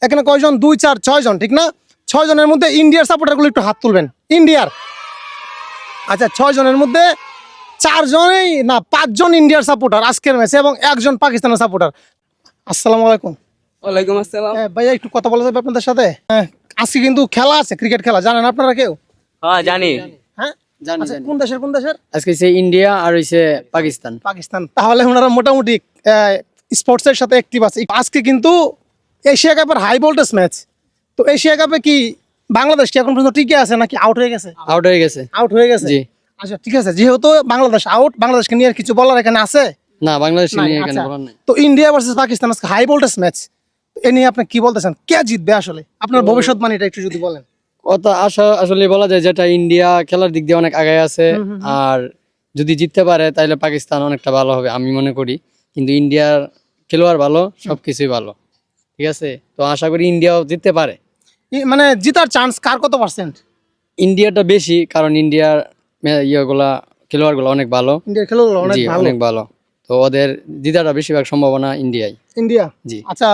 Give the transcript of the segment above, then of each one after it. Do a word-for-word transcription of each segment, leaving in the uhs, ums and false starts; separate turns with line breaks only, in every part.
এখানে কয়জন? দুই চার ছয় জন, ঠিক না? ছয় জনের মধ্যে ইন্ডিয়ার সাপোর্টারগুলো একটু হাত তুলবেন। ইন্ডিয়ার, আচ্ছা ছয় জনের মধ্যে চারজনই না পাঁচজন ইন্ডিয়ার সাপোর্টার আজকের ম্যাচে এবং একজন পাকিস্তানের সাপোর্টার। আসসালামু আলাইকুম।
ওয়ালাইকুম আসসালাম।
হ্যাঁ ভাইয়া, একটু কথা বলা যাবে আপনাদের সাথে? হ্যাঁ, আজকে কিন্তু খেলা আছে, ক্রিকেট খেলা, জানেন আপনারা কেউ?
হ্যাঁ জানি।
হ্যাঁ
জানি
আচ্ছা,
জানি
কোন দেশের কোন দেশের?
আজকে হচ্ছে ইন্ডিয়া আর হচ্ছে পাকিস্তান।
পাকিস্তান। তাহলে ওনারা মোটামুটি স্পোর্টসের সাথে অ্যাক্টিভ আছে। আজকে কিন্তু এশিয়া কাপের হাই ভোল্টেজ ম্যাচ। তো এশিয়া কাপে কি বাংলাদেশ কি এখন পর্যন্ত টিকে আছে নাকি আউট হয়ে গেছে?
আউট হয়ে গেছে।
আউট হয়ে গেছে,
জি।
আচ্ছা ঠিক আছে, যেহেতু বাংলাদেশ আউট, বাংলাদেশকে নিয়ে আর কিছু বলার এখানে আছে?
না, বাংলাদেশ
নাই,
নিয়ে এখানে
আচ্ছা।
বলার নাই।
তো ইন্ডিয়া ভার্সেস পাকিস্তান আজকে হাই ভোল্টেজ ম্যাচ, এ নিয়ে আপনি কি বলতেছেন? কে জিতবে আসলে? আপনার ভবিষ্যৎবাণীটা একটু যদি বলেন।
কথা আশা আসলে বলা যায় যেটা ইন্ডিয়া খেলার দিক দিয়ে অনেক আগায় আছে, আর যদি জিততে পারে তাহলে পাকিস্তান অনেকটা ভালো হবে আমি মনে করি। কিন্তু ইন্ডিয়ার খেলোয়াড় ভালো, সবকিছুই ভালো, ঠিক আছে। তো আশা করি ইন্ডিয়াও জিততে পারে।
ই- মানে জিতার চান্স কার কত পার্সেন্ট?
ইন্ডিয়াটা বেশি, কারণ ইন্ডিয়ার মে- ইয়েগুলা খেলোয়াড়গুলো অনেক ভালো।
ইন্ডিয়ার খেলোয়াড় অনেক
জি,
ভালো।
অনেক ভালো। তো ওদের জিতাটা বেশিরভাগ সম্ভাবনা ইন্ডিয়ায়।
ইন্ডিয়া,
জি।
আচ্ছা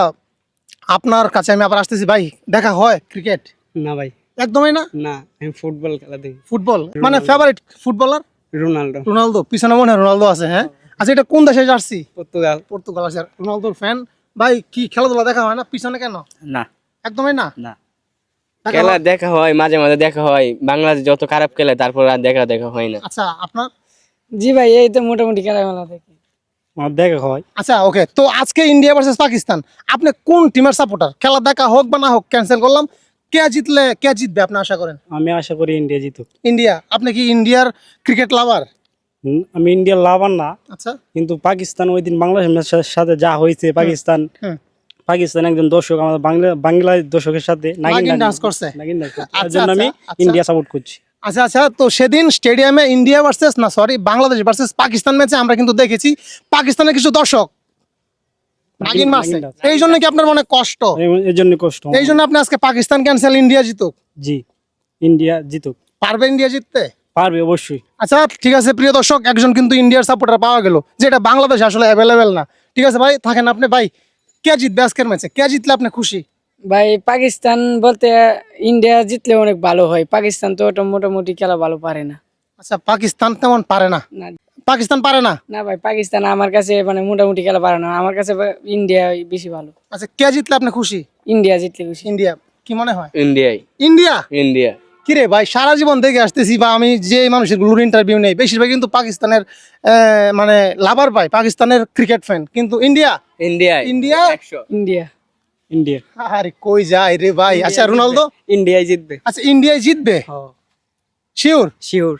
আপনার কাছে আমি আবার আসতেছি ভাই, দেখা হয় ক্রিকেট?
না ভাই,
একদমই না।
না আমি ফুটবল খেলা দেখি।
ফুটবল মানে ফেভারিট ফুটবলার
রোনাল্ডো।
রোনালদো, পিছনে মনে হয় রোনালদো আছে। হ্যাঁ আচ্ছা, এটা কোন দেশে জার্সি?
পর্তুগাল।
পর্তুগাল আছে। রোনালদোর ফ্যান ভাই, কি খেলাধুলা দেখা হয় না পিছনে কেন?
না
একদমই না।
না,
দেখা
খেলা
হয়?
দেখা হয় মাঝে মাঝে দেখা হয়, বাংলাদেশ যত খারাপ খেলে তারপর আর দেখা দেখা হয় না।
আচ্ছা আপনার?
জি ভাই, এই তো মোটামুটি খেলামেলা দেখি।
আমার দেখা হয়।
আচ্ছা ওকে, তো আজকে ইন্ডিয়া ভার্সেস পাকিস্তান, আপনি কোন টিমের সাপোর্টার? খেলা দেখা হোক বা না হোক ক্যান্সেল করলাম, কে জিতলে কে জিতবে আপনি আশা করেন?
আমি আশা করি ইন্ডিয়া জিতুক।
ইন্ডিয়া। আপনি কি ইন্ডিয়ার ক্রিকেট লাভার?
হুম, আমি ইন্ডিয়ার লাভার না,
আচ্ছা
কিন্তু পাকিস্তান ওই দিন বাংলাদেশের সাথে যা হয়েছে, পাকিস্তান
হুম।
পাকিস্তান একজন দর্শক আমাদের বাংলা বাংলা দর্শকের সাথে নাগিন
নাগিন
ডান্স
ডান্স করছে।
নাগিন ডান্স করছে। তার
আচ্ছা,
জন্য আমি
আচ্ছা, আচ্ছা।
ইন্ডিয়া সাপোর্ট করছি।
আচ্ছা আচ্ছা, তো সেদিন স্টেডিয়ামে ইন্ডিয়া ভার্সেস না সরি বাংলাদেশ ভার্সেস পাকিস্তান ম্যাচে আমরা কিন্তু দেখেছি পাকিস্তানের কিছু দর্শক নাগিন মারছে।
নাগিন ডান্স।
এই জন্য কি আপনার মনে কষ্ট?
এই- এই জন্য কষ্ট আমার।
এই জন্য আপনি আজকে পাকিস্তান ক্যান্সেল, ইন্ডিয়া জিতুক?
জি, ইন্ডিয়া জিতুক।
পারবে ইন্ডিয়া জিততে?
পারবে অবশ্যই।
আচ্ছা ঠিক আছে প্রিয় দর্শক, একজন কিন্তু ইন্ডিয়ার সাপোর্টার পাওয়া গেল, যেটা বাংলাদেশ আসলে অ্যাভেলেবেল না। ঠিক আছে ভাই, থাকেন আপনি। ভাই কে জিতবে আজকের ম্যাচে? কে জিতলে আপনি খুশি?
ভাই পাকিস্তান বলতে ইন্ডিয়া জিতলে অনেক ভালো হয়, পাকিস্তান তো ওটা মোটামুটি খেলা ভালো পারে না।
আচ্ছা, পাকিস্তান তেমন পারে না?
না
পাকিস্তান পারে না?
না ভাই, পাকিস্তান আমার কাছে মানে মোটামুটি খেলা পারে না, আমার কাছে ইন্ডিয়া বেশি ভালো।
আচ্ছা, কে জিতলে আপনি খুশি?
ইন্ডিয়া জিতলে খুশি।
ইন্ডিয়া। কি মনে হয়?
ইন্ডিয়াই।
ইন্ডিয়া।
ইন্ডিয়া।
কিরে ভাই, সারা জীবন দেখে আসতেছি বা আমি যে মানুষের গুলোর ইন্টারভিউ নেই বেশিরভাগ কিন্তু পাকিস্তানের আহ, মানে লাভার পাই, পাকিস্তানের ক্রিকেট ফ্যান, কিন্তু ইন্ডিয়া
ইন্ডিয়াই।
ইন্ডিয়া
একশো।
ইন্ডিয়া।
ইন্ডিয়া
আরে কই যায় রে ভাই। আচ্ছা রোনালদো?
ইন্ডিয়াই জিতবে।
আচ্ছা ইন্ডিয়ায় জিতবে শিওর?
শিওর।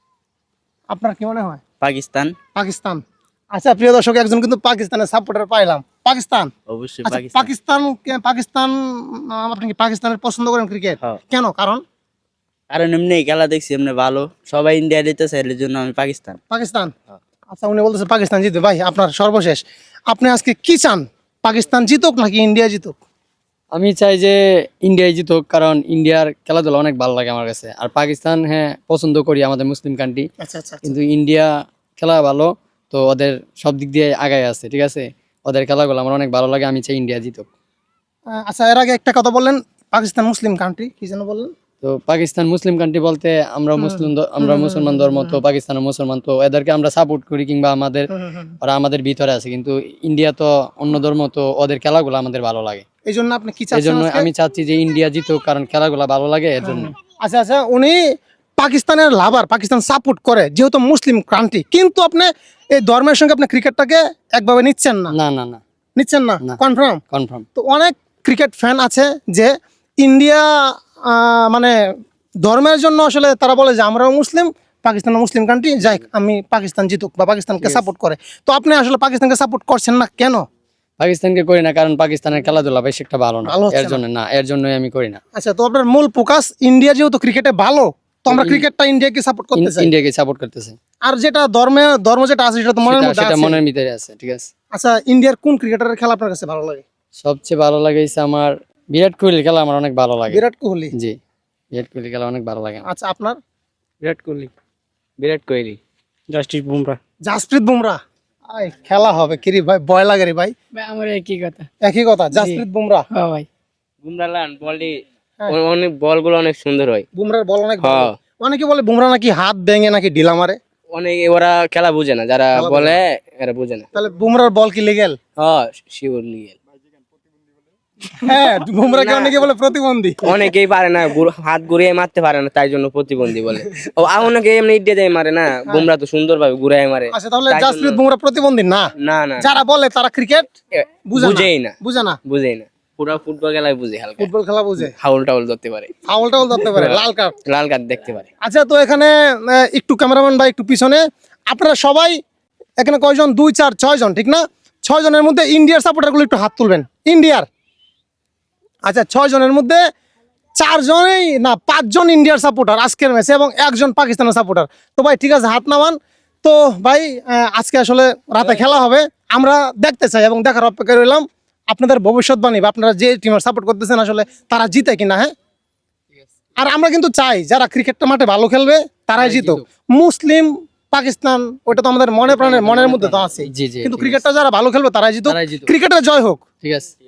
আপনার কি মনে হয়?
পাকিস্তান।
পাকিস্তান। আচ্ছা প্রিয় দর্শক, একজন কিন্তু পাকিস্তানের সাপোর্টার পাইলাম। পাকিস্তান।
অবশ্যই
আচ্ছা পাকিস্তান কে- পাকিস্তান আহ, আপনি কি পাকিস্তানের পছন্দ করেন ক্রিকেট?
হ্যাঁ।
কেন কারণ?
কারণ এমনি খেলা দেখছি এমনি ভালো, সবাই ইন্ডিয়া দিতেছে এর জন্য আমি পাকিস্তান।
পাকিস্তান। আচ্ছা উনি বলতেছে পাকিস্তান জিতবে। ভাই আপনার সর্বশেষ, আপনি আজকে কি চান? পাকিস্তান জিতুক নাকি ইন্ডিয়া জিতুক?
আমি চাই যে ইন্ডিয়ায় জিতুক, কারণ ইন্ডিয়ার খেলাধুলা অনেক ভালো লাগে আমার কাছে। আর পাকিস্তান হ্যাঁ পছন্দ করি, আমাদের মুসলিম কান্ট্রি,
আচ্ছা আচ্ছা
কিন্তু ইন্ডিয়া খেলা ভালো, তো ওদের সব দিক দিয়ে আগায় আছে, ঠিক আছে। ওদের খেলাগুলো আমার অনেক ভালো লাগে, আমি চাই ইন্ডিয়া জিতুক।
আহ, আচ্ছা এর আগে একটা কথা বললেন, পাকিস্তান মুসলিম কান্ট্রি, কি যেন বললেন?
তো পাকিস্তান মুসলিম কান্ট্রি বলতে আমরা মুসলিম দ- আমরা মুসলমান ধর্ম, তো পাকিস্তানের মুসলমান, তো এদেরকে আমরা সাপোর্ট করি, কিংবা আমাদের ওরা আমাদের ভিতরে আছে। কিন্তু ইন্ডিয়া তো অন্য ধর্ম, তো ওদের খেলাগুলো আমাদের ভালো লাগে।
এই জন্য আপনি কি
এই
চাচ্ছেন
জন্য
আজকে?
আমি চাচ্ছি যে ইন্ডিয়া জিতুক, কারণ খেলাগুলো ভালো লাগে এর জন্য।
আচ্ছা আচ্ছা, উনি পাকিস্তানের লাভার, পাকিস্তান সাপোর্ট করে যেহেতু মুসলিম কান্ট্রি, কিন্তু আপনি এই ধর্মের সঙ্গে আপনি ক্রিকেটটাকে একভাবে নিচ্ছেন না?
না না না,
নিচ্ছেন না,
না।
কনফার্ম?
কনফার্ম।
তো অনেক ক্রিকেট ফ্যান আছে যে ইন্ডিয়া আহ, মানে ধর্মের জন্য আসলে তারা বলে যে আমরাও মুসলিম, পাকিস্তান মুসলিম কান্ট্রি, যাই আমি পাকিস্তান জিতুক বা পাকিস্তানকে সাপোর্ট করে। তো আপনি আসলে পাকিস্তানকে সাপোর্ট করছেন না কেন?
পাকিস্তানকে করি না কারণ পাকিস্তানের খেলাধুলা বেশ একটা ভালো না,
ভালো হচ্ছে
এর জন্য না, এর জন্যই আমি করি না।
আচ্ছা, তো আপনার মূল ফোকাস ইন্ডিয়া যেহেতু ক্রিকেটে ভালো, তো আমরা ক্রিকেটটা ইন্ডিয়াকে সাপোর্ট করতে চাই।
ইন্ডিয়াকে সাপোর্ট করতেছে,
আর যেটা ধর্মে ধর্ম যেটা আছে সেটা তো মনের
সেটা
মধ্যে
সেটা
আছে।
মনের ভিতরে আছে, ঠিক আছে।
আচ্ছা, ইন্ডিয়ার কোন ক্রিকেটারের খেলা আপনার কাছে ভালো লাগে?
সবচেয়ে ভালো লাগেছে আমার বিরাট কোহলির খেলা, আমার অনেক ভালো লাগে।
বিরাট কোহলি।
জি, বিরাট কোহলির খেলা অনেক ভালো লাগে।
আচ্ছা আপনার?
বিরাট কোহলি। বিরাট কোহলি।
জাস্টিস বুমরা।
জাসপ্রীত বুমরা। আই খেলা হবে কি রে ভাই, ভয় লাগে রে ভাই।
ভাই আমার একই কথা।
একই কথা, জাসপ্রীত বুমরা।
হ্যাঁ ভাই।
বুমরা লান বলটি
হ্যাঁ।
অনেক বলগুলো অনেক সুন্দর হয়।
বুমরার বল অনেক ভালো।
হ্যাঁ।
অনেকে বলে বুমরা নাকি হাত ভেঙে নাকি ঢিলা মারে।
অনেক ওরা খেলা বুঝে না, যারা
খেলা
বলে এরা বুঝে না।
তাহলে বুমরার বল কি লিগেল?
হ্যাঁ শিওর লিগেল।
হ্যাঁ, বুমরাকে অনেকে বলে প্রতিবন্ধী।
অনেকেই পারে না, গুর- হাত ঘুরিয়ে মারতে পারে না, তাই জন্য প্রতিবন্ধী বলে। ও আর অনেকে এমনি ইডে দেয় মারে না, বুমরা তো সুন্দর ভাবে ঘুরায় মারে।
আচ্ছা, তাহলে
তাই
জাসপ্রীত
জন্য-
বুমরা প্রতিবন্ধী না?
না না
যারা বলে তারা ক্রিকেট
এ,
বুঝে না।
বুঝেই না,
বুঝে না,
বুঝেই না। পুরো ফুটবল খেলায় বুঝে, হালকা
ফুটবল খেলা বুঝে,
ফাউল টাউল ধরতে পারে,
ফাউল টাউল ধরতে পারে, লাল কার্ড।
লাল কার্ড দেখতে পারে।
আচ্ছা, তো এখানে আহ, একটু ক্যামেরাম্যান বা একটু পিছনে আপনারা সবাই এখানে কয়জন? দুই চার ছয় জন, ঠিক না? ছয় জনের মধ্যে ইন্ডিয়ার সাপোর্টারগুলো একটু হাত তুলবেন, ইন্ডিয়ার। আচ্ছা, ছয় জনের মধ্যে চারজনই না পাঁচজন ইন্ডিয়ার সাপোর্টার আজকের ম্যাচে এবং একজন পাকিস্তানের সাপোর্টার। তো ভাই ঠিক আছে, হাত নামান। তো ভাই আহ, আজকে আসলে রাতে খেলা হবে, আমরা দেখতে চাই এবং দেখার অপেক্ষায় রইলাম আপনাদের ভবিষ্যৎবাণী বা আপনারা যে টিমের সাপোর্ট করতেছেন আসলে তারা জিতে কিনা। হ্যাঁ, আর আমরা কিন্তু চাই যারা ক্রিকেটটা মাঠে ভালো খেলবে তারাই জিতুক। মুসলিম পাকিস্তান ওটা তো আমাদের মনে প্রাণের মনের মধ্যে তো আছে,
জি জি
কিন্তু
ঠিক
ক্রিকেটটা যারা ভালো খেলবে তারাই জিতুক,
তারাই জিতুক।
ক্রিকেটের জয় হোক।
ঠিক আছে।